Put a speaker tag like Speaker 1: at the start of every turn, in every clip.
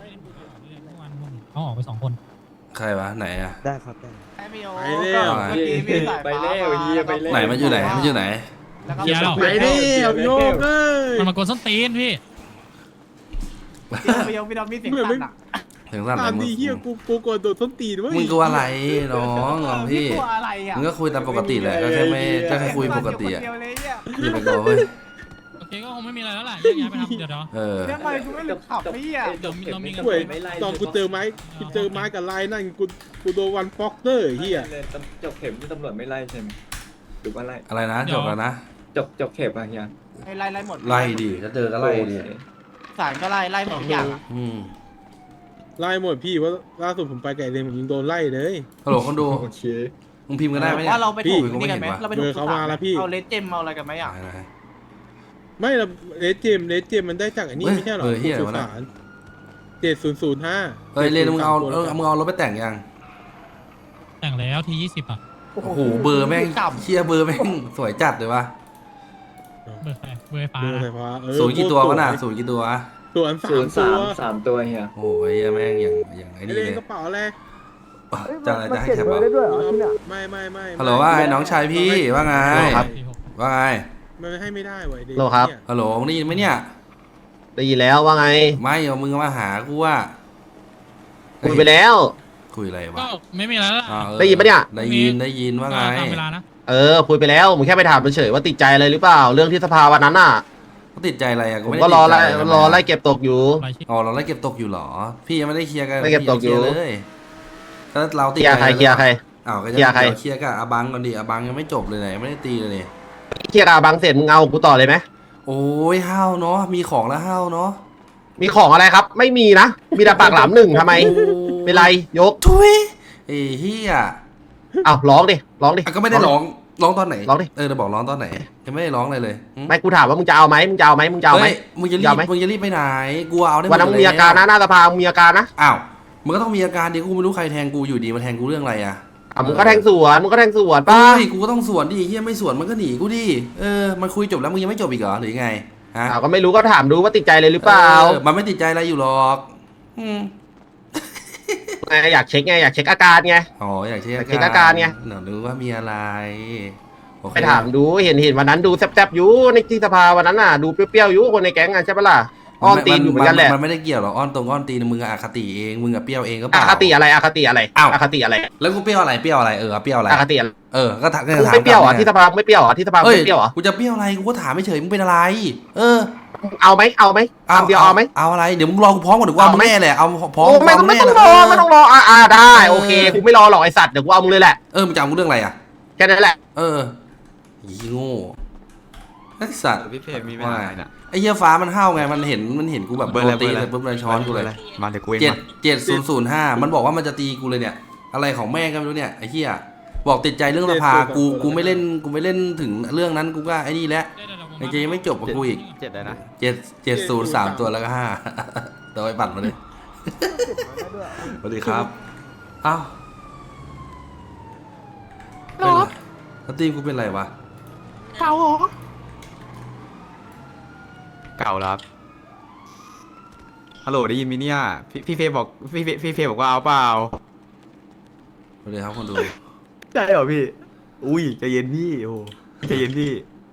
Speaker 1: เมื่อวานเขาออกไป2 คน
Speaker 2: ใครวะไหนอะ
Speaker 3: ได้ครับได้
Speaker 4: ไอ้พี่โอ
Speaker 5: ไปแล้ว
Speaker 4: เมื่อกี้มีสาย
Speaker 5: ไป
Speaker 4: ฟ้า
Speaker 5: แล้วเฮียไปแล้ว
Speaker 2: ไหนมันอยู่ไหนมันอยู่ไหน
Speaker 4: แล้วก็
Speaker 1: เฮียหรอ
Speaker 5: ไปดิเอาโยกเลย
Speaker 1: มันมากดส้นตีนพี่
Speaker 4: พี่โอพี่โอมีเสียงสั่นอ่ะ
Speaker 2: ถึงสั่น
Speaker 5: ตาม
Speaker 2: มึ
Speaker 5: ดี
Speaker 2: ง
Speaker 5: เฮียกูกดโดดส้นตีนเว้ย
Speaker 2: มึงกลัวอะไรน้องพี่
Speaker 4: กลัวอะไรอ่ะ
Speaker 2: มึงก็คุยตามปกติแหละก็แค่ไม่ก็แค่คุยปกติอะ
Speaker 4: เดียวเลยเนี่ย
Speaker 2: อย่าไปกลัวเว้ย
Speaker 1: โอเคก็คงไม่มีอะไรแล้วแหละแยกย้ายไปทำเดี๋ยว
Speaker 2: เออ
Speaker 4: ทำไมกูไม่หลุดขับพี่อ่ะ
Speaker 1: เดี๋ยวเรามีเงิน
Speaker 5: เว้ยตอนกูเจอไม้กับลายนั่นกูโดนวันฟอกเตอร์เฮีย
Speaker 6: จบเข็มที่ตำรวจไม่ไล่ใช่ไหมหรือว่าไล่
Speaker 2: อะไรนะจบแล้วนะ
Speaker 6: จบเข็มอะเฮีย
Speaker 4: ไล่หมด
Speaker 2: ไล่ดิถ้าเจอก็ไล่ดิ
Speaker 4: สารก็ไล่หมดทุกอย่างอะ
Speaker 2: อืม
Speaker 5: ไล่หมดพี่ว่าล่าสุดผมไปไก่เดนผมยังโดนไล่เลย
Speaker 2: ฮัลโหลคนดู
Speaker 6: โอเค
Speaker 2: มึงพิมพ์กันได้ไหมเนี่ย
Speaker 4: ว่าเราไปถูก
Speaker 2: พี่
Speaker 4: นี่กันไหมเราไปถูก
Speaker 5: เบอร์เขามาแล้วพี่
Speaker 4: เอาเลสเจมเอาอะไรกันไหมอ่ะ
Speaker 2: ไหน
Speaker 5: ไม่ละเลสเจมมันได้จากอันนี้
Speaker 2: เฮ้ย
Speaker 5: ไม่ใช่หรอ
Speaker 2: เบอร์เหี้ยอะไรวะน่ะ
Speaker 5: 7005
Speaker 2: เฮ้ยเรนมึงเอามึงเอารถไปแต่งยัง
Speaker 1: แต่งแล้วที20อ่ะ
Speaker 2: โอ้โหเบอร์แม่งเชียเบอร์แม่งสวยจัดเลยวะ
Speaker 1: เบอร์ใครเบอร์ไฟฟ้า
Speaker 5: เบอร์ไฟฟ้า
Speaker 2: ศูนย์กี่ตัววะน่ะศูนย์กี่ตัววะ
Speaker 5: ส่วน
Speaker 6: ศูนย์
Speaker 5: 3 ตัว
Speaker 6: สามตัวเฮีย
Speaker 2: โอ้ยแม่งอย่างไอ้
Speaker 5: ไอ
Speaker 2: นี่
Speaker 5: เล
Speaker 2: เล
Speaker 5: น
Speaker 2: ย
Speaker 5: กระเป๋าอะไร
Speaker 2: จะอะไรจะให้แคปเอา
Speaker 5: ไม่
Speaker 2: ฮัลโหลว่าไอ้น้องชายพี่ว่าไง
Speaker 1: ครับ
Speaker 2: ว่าไง
Speaker 5: มันให้ไม่ได้เว้ยเดน
Speaker 7: โลครับ
Speaker 5: เนี่ย
Speaker 2: ฮัลโหลมึงได้ยินไหมเนี่ย
Speaker 7: ได้ยินแล้วว่าไง
Speaker 2: ไม่เอามึงมาหากูว่า
Speaker 7: คุยไปแล้ว
Speaker 2: คุยอะไรวะ
Speaker 1: ก็ไม่มีแล้วล่ะ
Speaker 2: อ่าเออ
Speaker 7: ได้ยินปะเนี่ย
Speaker 2: ได้ยินว่าไง
Speaker 1: ตามเวลานะ
Speaker 7: คุยไปแล้วมึงแค่ไปถามเฉยๆว่าติดใจอะไรหรือเปล่า เรื่องที่สภาวันนั้นน่ะ
Speaker 2: เขาติดใจอะไรอ่ะ
Speaker 7: ผม
Speaker 2: ไม่
Speaker 7: ก็
Speaker 2: ได้
Speaker 7: รอ
Speaker 2: ติด
Speaker 7: ไล่
Speaker 2: ใจะ
Speaker 7: รอไล่เก็บตกอยู่
Speaker 1: รายชื่อ
Speaker 2: อ๋อเราไล่เก็บตกอยู่เหรอ พี่ยังไม่ได้เคลียร์กัน
Speaker 7: ไล่เก็บตกอยู่
Speaker 2: พี่งไม่เคลีร์เลยถ้าเราติ
Speaker 7: เค
Speaker 2: ด
Speaker 7: ลียร์ใครเคลียร์ใคร
Speaker 2: อ้าวก็จะ
Speaker 7: เคลียร์ใคร
Speaker 2: เดี๋ยวเคลียร์กับอาบังก่อนดิอาบังยังไม่จบเลยไหนไม่ได้ตีเลยนี่
Speaker 7: เคลียร์กับบางเสร็จมึงเอากูต่อเลยไหม
Speaker 2: โอ้ยห้าวเนาะมีของแล้วห้าวเนาะ
Speaker 7: มีของอะไรครับ ไม่มีนะ มีแต่ปากหลามหนึ่งทำไม เป็นไรยก
Speaker 2: ทุยเอ้เฮีย
Speaker 7: อ้าวร้องดิร้องดิ
Speaker 2: อ่ะก็ไม่ได้ร้องตอนไหน
Speaker 7: ร้องดิ
Speaker 2: จะบอกร้องตอนไหนยังไม่ได้ร้องอะไรเลยหึ
Speaker 7: ไม่กูถามว่ามึงจะเอาไหมมึงจะเอาไหมมึงจะเอาไหม
Speaker 2: เฮ้ยมึงจะรี
Speaker 7: ยา
Speaker 2: บ
Speaker 7: วไหม
Speaker 2: มึงจะรีบไปไหนกูเอาได้หม
Speaker 7: วัน
Speaker 2: ด
Speaker 7: นั้นมึงมีอาการนะหน้าสภามึงมีอาการนะ
Speaker 2: อ้าวมึงก็ต้องมีอาการดิกูไม่รู้ใครแทงกูอยู่ดีมาแทงกูเรื่องอะไรอ่ะ
Speaker 7: มึงก็แทงสวนมึงก็แทงสวน
Speaker 2: ป้า
Speaker 7: ป้า
Speaker 2: กูก็ต้องสวนดิเฮียไม่สวนมันก็หนีกูดิมันคุยจบแล้วมึงยังไม่จบอีกเหรอหรือยังไงฮะ
Speaker 7: ก็ไม่รู้ก็ถามดูว่าติดใจเลยหรือเปล่า
Speaker 2: มันไม่ติดใจอะไรอยู่หรอกอืม
Speaker 7: ไงอยากเช็คไงอยากเช็คอาการไง
Speaker 2: อ๋ออยากเช็ค
Speaker 7: อยากเช็คอาการไง
Speaker 2: หนูรู้ว่ามีอะไรโอเค
Speaker 7: ไปถามดูเห็นวันนั้นดูแซ่บๆอยู่ในที่สภาวันนั้นน่ะดูเปรี้ยวๆอยู่คนในแก๊งอ่ะใช่ปะล่ะอ้อนตีนอยู่เหมือนกันแหละ
Speaker 2: มันไม่ได้เกี่ยวหรอกอ้อนตีนมึงอะอคติเองมึงอะเปรี้ยวเองก็เป
Speaker 7: อ
Speaker 2: ล่า
Speaker 7: คติอะไรอคติอะไร
Speaker 2: อ้าว
Speaker 7: อคติอะไร
Speaker 2: แล้วกูเปรี้ยวอะไรเปรี้ยวอะไรเปรี้ยวอะไร
Speaker 7: อคติอะไร
Speaker 2: ก็ถาม
Speaker 7: มึงไม่เปรี้ยวเหรอ่ะที่สภาไม่เปรี้ยวเหรอ่ะที่สภา
Speaker 2: เอ้ย
Speaker 7: ไม่เปรี้ยวเหรอ่ะ
Speaker 2: กูจะเปรี้ยวอะไรกูก็ถามไม่เฉยมึงเป็นอะไร
Speaker 7: เอาไหมคำเดียวเอาไหม
Speaker 2: เอาอะไรเดี๋ยวมึงรอกูพร้อมก่อนเดี๋ยวกูเอามึงแน่แหละเอาพร้อม
Speaker 7: โอ้ไม่ต้อง
Speaker 2: แน่
Speaker 7: รอไม่ต้องรอได้โอเคกูไม่รอหรอกไอสัตว์เดี๋ยวกูเอามึงเลยแหละ
Speaker 2: มึงจะเอากูเรื่องอะไรอ่ะ
Speaker 7: แค่นั้นแหละ
Speaker 2: ยี่โง่ไอ้สัตว์
Speaker 6: พี่เพจมีปัญหาเนี่ย
Speaker 2: ไอ้เหี้ยฟ้ามันห้าวไงมันเห็นกูแบบโดนตีเลยปุ๊บเลยช้อนกูเลย
Speaker 6: มาเดี๋ยวกูเอง
Speaker 2: 7005มันบอกว่ามันจะตีกูเลยเนี่ย อะไรของแม่ก็ไม่รู้เนี่ยไอ้เหี้ยบอกติดใจเรื่องสภากูไม่เล่นถึงเรื่องนั้นกูก็ไอ้นี่แหละไอ้เจยังไม่จบกับกูอีก
Speaker 6: 7เลยนะ
Speaker 2: 703ตัวแล้วก็5ตัวไปปั่นมาเลยสวัสดีครับอ้าวเป็นไรแล้วทีมกูเป็นไรวะ
Speaker 4: เก่าเหรอ
Speaker 6: เก่าแล้วครับฮัลโหลได้ยินไหมเนี่ยพี่เฟย์บอกพี่เฟย์บอกว่าเอาเปล่า
Speaker 2: สวัสดีครับคนดู
Speaker 6: ใช่เหรอพี่อุ้ยใจเย็นพี่โอ้ใจเย็นพี่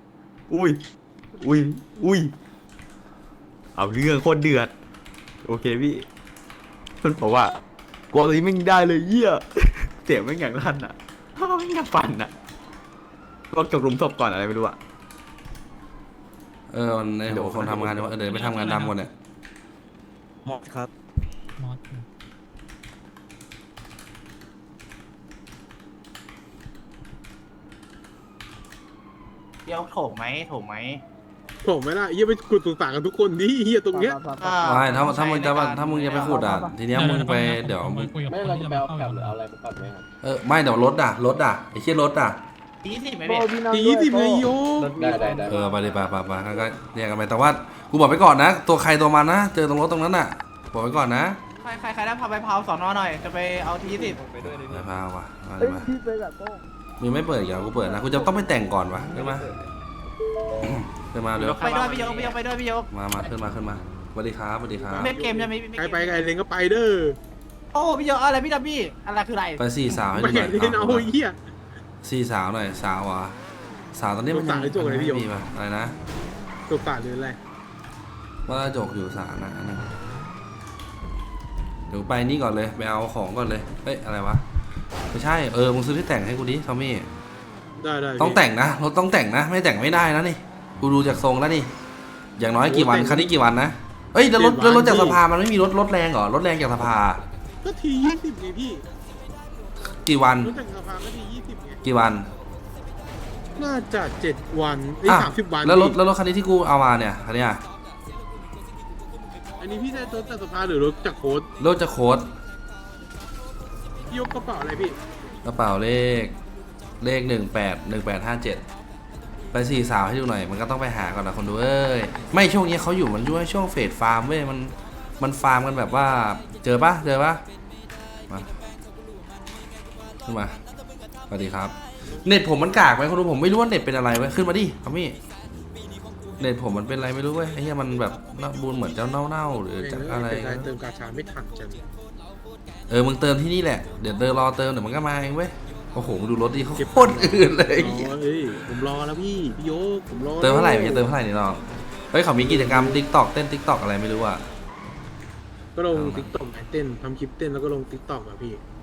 Speaker 6: อุ้ยเอาเรื่องโคตรเดือดโอเคพี่มันบอกว่ากลัวตัวนี้ไม่ได้เลยเหี้ยเสียงไม่อย่างลั่นอ่ะไม่อยากฟันอ่ะบอกจบรุมศพก่อนอะไรไม่รู้อ่ะ
Speaker 2: มันไอ้หัวคนทำงานเดี๋ยวไปทำงานดำก่อนเนี่ย
Speaker 3: หมดครับ
Speaker 1: มอส
Speaker 4: เดี๋ยวโถงไหม
Speaker 5: โถมไหมล่ะเฮียไปขุดสุสานกันทุกคนดิเฮียตรงเนี้ย
Speaker 2: ไม่ถ้ามึงจะไปขุดอ่ะทีเนี้ยมึงไปเดี๋ยวมึง
Speaker 1: คุยกับคนที่จะมาเข้าอยู่
Speaker 2: ไม่เดี๋ยวรถอ่ะไอ้เชี่ยรถอ่ะ
Speaker 4: 20ไหมพี่
Speaker 5: 20เลยโย
Speaker 6: ได้
Speaker 2: ไปดิไปก็เรียกกันไปแต่ว่ากูบอกไปก่อนนะตัวใครตัวมันนะเจอตรงรถตรงนั้นอ่ะบอกไปก่อนนะ
Speaker 4: ใครได้พาไปพาวสอนอหน่อย จะไปเอาที20
Speaker 6: ไปด้วยเลย
Speaker 2: ไปพาว่ะมามึงไม่เปิดอีกเหรอกูเปิดนะกูจะต้องไปแต่งก่อนวะได้ไหมขึ้นมาเร็ว
Speaker 4: ไปด้วยพี่ยกไปด้วยพี่ยก
Speaker 2: มาขึ้นมาสวัสดีครับสวัสดีครับ
Speaker 4: เล่นเกมจะมี
Speaker 5: ใครไปไกลเลงก็ไปเด้อ
Speaker 4: โอ้พี่เยอะอะไรพี่ดับบี้อะไรคืออะไร
Speaker 2: ไปสี่สาวให้
Speaker 5: ไม่
Speaker 2: ดูหน่อย
Speaker 5: เล่นเอาเหี้ย
Speaker 2: สี่สาวหน่อยสาวอ่ะสาวตอนนี้มัน
Speaker 5: สาวหรือโจกอะไรพี่โยม
Speaker 2: มีป่ะอะไรนะ
Speaker 5: ตัวป่าหรืออะไร
Speaker 2: ว่าจกอยู่สาวนะอันนั้นเดี๋ยวไปนี่ก่อนเลยไปเอาของก่อนเลยเฮ้ยอะไรวะไม่ใช่มึงซื้อที่แต่งให้กูดิทอมมี่
Speaker 5: ได้ได้
Speaker 2: ต้องแต่งนะรถต้องแต่งนะไม่แต่งไม่ได้นะนี่กูดูจากทรงแล้วนี่อย่างน้อยกี่วันคันนี้กี่วันนะเอ้ยแล้วรถจากสภามันไม่มีรถแรงเหรอรถแรงจากสภา
Speaker 5: ก็ที20ไงพี่
Speaker 2: กี่วัน
Speaker 5: รู้จักสภาก็ที20ไง
Speaker 2: กี่วัน
Speaker 5: น่าจะ7วันไอ้
Speaker 2: อ่ะ
Speaker 5: 30 วัน
Speaker 2: แล้วรถ
Speaker 5: พี่
Speaker 2: แล้วรถคันนี้ที่กูเอามาเนี่ยคันเนี้ย
Speaker 5: อันนี้พี่ได้รถจากสภาหรือรถจากโค้ด
Speaker 2: รถจะโค้ด
Speaker 5: พี่ยกกระเป๋าอะไรพี่
Speaker 2: กระเป๋าเลข181857ไปสี่สาวให้ดูหน่อยมันก็ต้องไปหาก่อนนะคนดูเอ้ยไม่ช่วงนี้เขาอยู่มันอยู่ในช่วงเฟสฟาร์มเว้ยมันฟาร์มกันแบบว่าเจอปะมาขึ้นมาสวัสดีครับเน็ตผมมันกากไหมคนดูผมไม่รู้ว่าเน็ตเป็นอะไรเว้ยขึ้นมาดิทอมมี่เน็ตผมมันเป็นอะไรไม่รู้เว้ยไอ้เหี้ยมันแบบน่าบูนเหมือนเจ้าเน่าหรือจากอะไร
Speaker 5: เติมกาชาไม่ทันจัง
Speaker 2: มึงเติมที่นี่แหละเดี๋ยวรอเติมเดี๋ยวมันก็มาเองเว้ยโอ้โหมึงดูรถดิเขาโคตรอื่นเลย
Speaker 5: เฮ้ยผมรอแล้วพี่โยกผมรอ
Speaker 2: เติมเท่าไหร่เติมเท่าไหร่นี่น้องเฮ้ยเขามีกิจกรรม TikTok เต้น TikTok อะไรไม่รู้อ่ะ
Speaker 5: ก็ลงติ๊กต็อกเต้นทำคลิปเต้นแล้วก็ลงติ๊กต็อกอะพี่